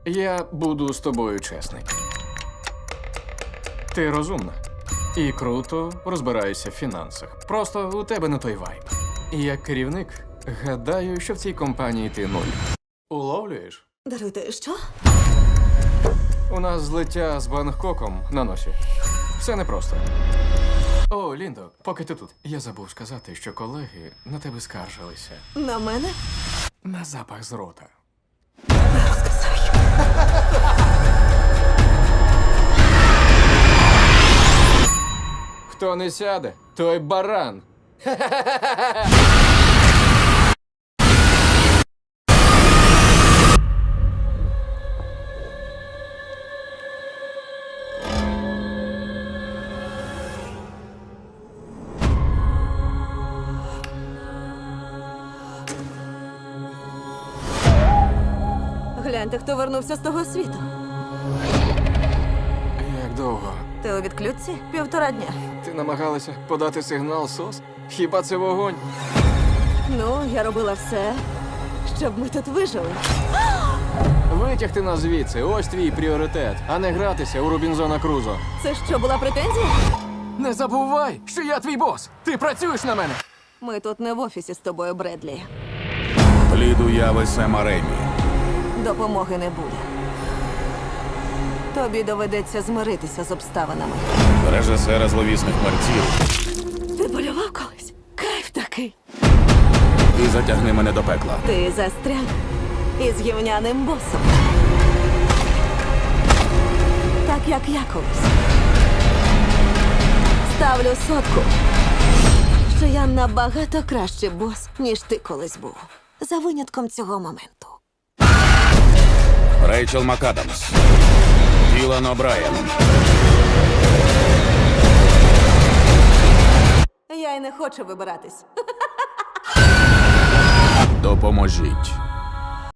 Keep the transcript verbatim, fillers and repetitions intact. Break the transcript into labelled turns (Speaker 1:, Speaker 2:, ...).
Speaker 1: Я буду з тобою чесний. Ти розумна і круто розбираєшся в фінансах. Просто у тебе не той вайб. І як керівник, гадаю, що в цій компанії ти нуль. Уловлюєш?
Speaker 2: Даруйте, що?
Speaker 1: У нас злиття з Бангкоком на носі. Все непросто. О, Ліндо, поки ти тут. Я забув сказати, що колеги на тебе скаржилися.
Speaker 2: На мене?
Speaker 1: На запах з рота. Хто не сяде, той баран.
Speaker 2: Гляньте, хто вернувся з того світу.
Speaker 1: Як довго?
Speaker 2: Ти у відключці? Півтора дня.
Speaker 1: Ти намагалася подати сигнал СОС? Хіба це вогонь?
Speaker 2: Ну, я робила все, щоб ми тут вижили.
Speaker 1: Витягти нас звідси, ось твій пріоритет, а не гратися у Рубінзона Крузо.
Speaker 2: Це що, була претензія?
Speaker 1: Не забувай, що я твій бос! Ти працюєш на мене!
Speaker 2: Ми тут не в офісі з тобою, Бредлі.
Speaker 3: Плід уяви Сема Ремі.
Speaker 2: Допомоги не буде. Тобі доведеться змиритися з обставинами.
Speaker 3: Режисера зловісних мерців.
Speaker 2: Ти полював колись? Кайф такий.
Speaker 3: І затягни мене до пекла.
Speaker 2: Ти застряг із гівняним босом. Так, як я колись. Ставлю сотку, що я набагато кращий бос, ніж ти колись був. За винятком цього моменту.
Speaker 3: Рейчел МакАдамс. Ілан О'Брайен.
Speaker 2: Я й не хочу вибиратись.
Speaker 3: Допоможіть.